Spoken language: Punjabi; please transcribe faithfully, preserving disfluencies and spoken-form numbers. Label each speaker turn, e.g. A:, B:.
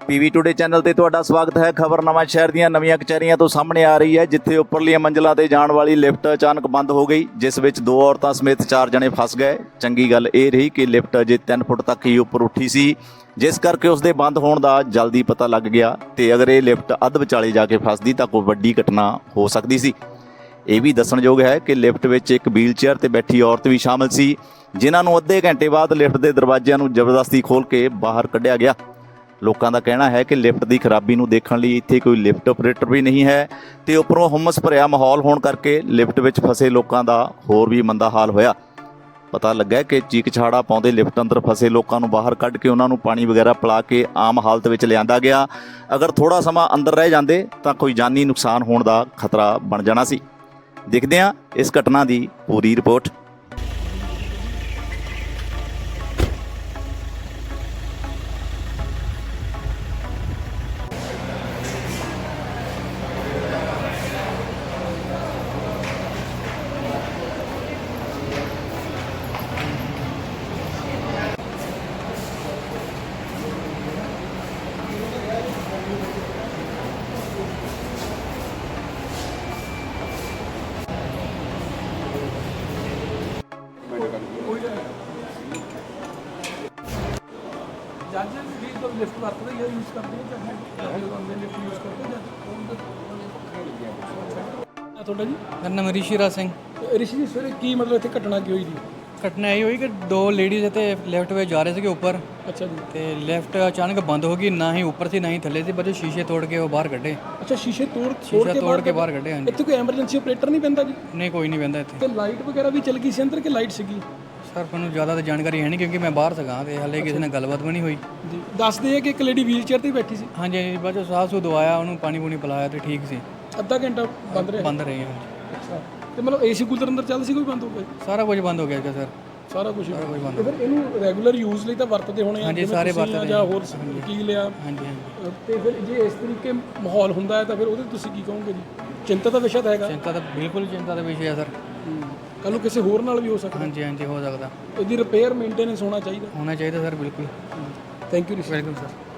A: ਪੀਵੀ ਟੂਡੇ ਚੈਨਲ ਤੇ ਤੁਹਾਡਾ ਸਵਾਗਤ ਹੈ। ਖਬਰ ਨਵਾਂ ਸ਼ਹਿਰ ਦੀਆਂ ਨਵੀਆਂ ਕਚਹਿਰੀਆਂ ਤੋਂ ਸਾਹਮਣੇ ਆ ਰਹੀ ਹੈ, ਜਿੱਥੇ ਉੱਪਰਲੀਆਂ ਮੰਜ਼ਲਾਂ ਤੇ ਜਾਣ ਵਾਲੀ ਲਿਫਟ ਅਚਾਨਕ ਬੰਦ ਹੋ ਗਈ, ਜਿਸ ਵਿੱਚ ਦੋ ਔਰਤਾਂ ਸਮੇਤ ਚਾਰ ਜਣੇ ਫਸ ਗਏ। ਚੰਗੀ ਗੱਲ ਇਹ ਰਹੀ ਕਿ ਲਿਫਟ ਅਜੇ ਤਿੰਨ ਫੁੱਟ ਤੱਕ ਹੀ ਉੱਪਰ ਉੱਠੀ ਸੀ, ਜਿਸ ਕਰਕੇ ਉਸ ਦੇ ਬੰਦ ਹੋਣ ਦਾ ਜਲਦੀ ਪਤਾ ਲੱਗ ਗਿਆ, ਤੇ ਅਗਰ ਇਹ ਲਿਫਟ ਅੱਧ ਵਿਚਾਲੇ ਜਾ ਕੇ ਫਸਦੀ ਤਾਂ ਕੋਈ ਵੱਡੀ ਘਟਨਾ ਹੋ ਸਕਦੀ ਸੀ। ਇਹ ਵੀ ਦੱਸਣਯੋਗ ਹੈ ਕਿ ਲਿਫਟ ਵਿੱਚ ਇੱਕ ਵੀਲ ਚੇਅਰ ਤੇ ਬੈਠੀ ਔਰਤ ਵੀ ਸ਼ਾਮਲ ਸੀ, ਜਿਨ੍ਹਾਂ ਨੂੰ ਅੱਧੇ ਘੰਟੇ ਬਾਅਦ ਲਿਫਟ ਦੇ ਦਰਵਾਜ਼ਿਆਂ ਨੂੰ ਜ਼ਬਰਦਸਤੀ ਖੋਲ੍ਹ ਕੇ ਬਾਹਰ ਕੱਢਿਆ ਗਿਆ। ਲੋਕਾਂ ਦਾ ਕਹਿਣਾ ਹੈ ਕਿ ਲਿਫਟ ਦੀ ਖਰਾਬੀ ਨੂੰ ਦੇਖਣ ਲਈ ਇੱਥੇ ਕੋਈ ਲਿਫਟ ਆਪਰੇਟਰ ਵੀ ਨਹੀਂ ਹੈ, ਤੇ ਉੱਪਰੋਂ ਹੁਮਸ ਭਰਿਆ ਮਾਹੌਲ ਹੋਣ ਕਰਕੇ ਲਿਫਟ ਵਿੱਚ ਫਸੇ ਲੋਕਾਂ ਦਾ ਹੋਰ ਵੀ ਮੰਦਾ ਹਾਲ ਹੋਇਆ। ਪਤਾ ਲੱਗਾ ਕਿ ਚੀਕ ਛਾੜਾ ਪਾਉਂਦੇ ਲਿਫਟ ਅੰਦਰ ਫਸੇ ਲੋਕਾਂ ਨੂੰ ਬਾਹਰ ਕੱਢ ਕੇ ਉਹਨਾਂ ਨੂੰ ਪਾਣੀ ਵਗੈਰਾ ਪਿਲਾ ਕੇ ਆਮ ਹਾਲਤ ਵਿੱਚ ਲਿਆਂਦਾ ਗਿਆ। ਅਗਰ ਥੋੜ੍ਹਾ ਸਮਾਂ ਅੰਦਰ ਰਹਿ ਜਾਂਦੇ ਤਾਂ ਕੋਈ ਜਾਨੀ ਨੁਕਸਾਨ ਹੋਣ ਦਾ ਖਤਰਾ ਬਣ ਜਾਣਾ ਸੀ। ਦੇਖਦੇ ਹਾਂ ਇਸ ਘਟਨਾ ਦੀ ਪੂਰੀ ਰਿਪੋਰਟ।
B: जज भी तो लिफ्ट वरतते ही यूज़ करते हैं चाहे बंदे लिफ्ट यूज़ करते हैं ਤੁਹਾਡਾ ਜੀ?
C: ਮੇਰਾ ਨਾਮ ਰਿਸ਼ੀਰਾਜ ਸਿੰਘ।
B: ਰਿਸ਼ੀ ਜੀ ਸਵੇਰੇ ਕੀ ਮਤਲਬ ਇੱਥੇ ਘਟਨਾ ਕੀ ਹੋਈ ਜੀ?
C: ਘਟਨਾ ਇਹ ਹੋਈ ਕਿ ਦੋ ਲੇਡੀਜ਼ ਇੱਥੇ ਲੈਫਟ ਵਿੱਚ ਜਾ ਰਹੇ ਸੀਗੇ ਉੱਪਰ,
B: ਅੱਛਾ ਜੀ।
C: ਤੇ ਲੈਫਟ ਅਚਾਨਕ ਬੰਦ ਹੋ ਗਈ, ਨਾ ਹੀ ਉੱਪਰ ਸੀ ਨਾ ਹੀ ਥੱਲੇ ਸੀ, ਬਸ ਸ਼ੀਸ਼ੇ ਤੋੜ ਕੇ ਉਹ ਬਾਹਰ ਕੱਢੇ।
B: ਅੱਛਾ, ਸ਼ੀਸ਼ੇ ਤੋੜ
C: ਸ਼ੀਸ਼ਾ ਤੋੜ ਕੇ ਬਾਹਰ ਕੱਢੇ। ਹਾਂਜੀ।
B: ਇੱਥੇ ਕੋਈ ਐਮਰਜੈਂਸੀ ਆਪਰੇਟਰ ਨਹੀਂ ਪੈਂਦਾ ਜੀ?
C: ਨਹੀਂ, ਕੋਈ ਨਹੀਂ ਪੈਂਦਾ ਇੱਥੇ।
B: ਤੇ ਲਾਈਟ ਵਗੈਰਾ ਵੀ ਚੱਲ ਗਈ ਸੀ ਅੰਦਰ ਕਿ ਲਾਈਟ ਸੀਗੀ?
C: ਸਰ ਮੈਨੂੰ ਜ਼ਿਆਦਾ ਤਾਂ ਜਾਣਕਾਰੀ ਹੈ ਨਹੀਂ, ਕਿਉਂਕਿ ਮੈਂ ਬਾਹਰ ਸੀਗਾ ਤੇ ਹਾਲੇ ਕਿਸੇ ਨਾਲ ਗੱਲਬਾਤ ਵੀ ਨਹੀਂ ਹੋਈ
B: ਜੀ। ਦੱਸਦੇ ਆ ਕਿ ਇੱਕ ਲੇਡੀ ਵੀਲ ਚੇਅਰ ਤੇ ਬੈਠੀ ਸੀ।
C: ਹਾਂਜੀ ਹਾਂਜੀ, ਬਸ ਸਾਹ ਸੂ ਦਵਾਇਆ ਉਹਨੂੰ, ਪਾਣੀ ਪੂਣੀ ਪਿਲਾਇਆ ਤੇ ਠੀਕ ਸੀ।
B: ਅੱਧਾ ਘੰਟਾ ਬੰਦ ਰਿਹਾ?
C: ਬੰਦ ਰਹੀ। ਹਾਂਜੀ।
B: ਅੱਛਾ, ਤੇ ਮਤਲਬ ਏਸੀ ਕੂਲਰ ਅੰਦਰ ਚੱਲਦਾ ਸੀ, ਕੋਈ ਬੰਦ ਹੋ ਗਿਆ?
C: ਸਾਰਾ ਕੁਝ ਬੰਦ ਹੋ ਗਿਆ ਸਰ।
B: ਸਾਰਾ ਕੁਝ
C: ਸਾਰਾ ਕੁਝ ਬੰਦ।
B: ਤੇ ਫਿਰ ਇਹਨੂੰ ਰੈਗੂਲਰ ਯੂਜ਼ ਲਈ ਤਾਂ ਵਰਤਦੇ ਹੋਣੇ ਆ?
C: ਹਾਂਜੀ, ਸਾਰੇ ਵਰਤਦੇ
B: ਜਾਂ ਹੋਰ ਕੀ ਲਿਆ?
C: ਹਾਂਜੀ ਹਾਂਜੀ।
B: ਤੇ ਫਿਰ ਜੇ ਇਸ ਤਰੀਕੇ ਮਾਹੌਲ ਹੁੰਦਾ ਹੈ ਤਾਂ ਫਿਰ ਉਹਦੇ ਤੁਸੀਂ ਕੀ ਕਹੋਗੇ ਜੀ? ਚਿੰਤਾ ਦਾ ਵਿਸ਼ਾ ਤਾਂ ਹੈਗਾ।
C: ਚਿੰਤਾ ਤਾਂ ਬਿਲਕੁਲ ਚਿੰਤਾ ਦਾ ਵਿਸ਼ਾ ਹੈ ਸਰ।
B: ਕੱਲ੍ਹ ਨੂੰ ਕਿਸੇ ਹੋਰ ਨਾਲ ਵੀ ਹੋ ਸਕਦਾ।
C: ਹਾਂਜੀ ਹਾਂਜੀ, ਹੋ ਸਕਦਾ।
B: ਇਹਦੀ ਰਿਪੇਅਰ ਮੇਨਟੇਨੈਂਸ ਹੋਣਾ ਚਾਹੀਦਾ।
C: ਹੋਣਾ ਚਾਹੀਦਾ ਸਰ, ਬਿਲਕੁਲ।
B: Thank you.
C: Welcome sir.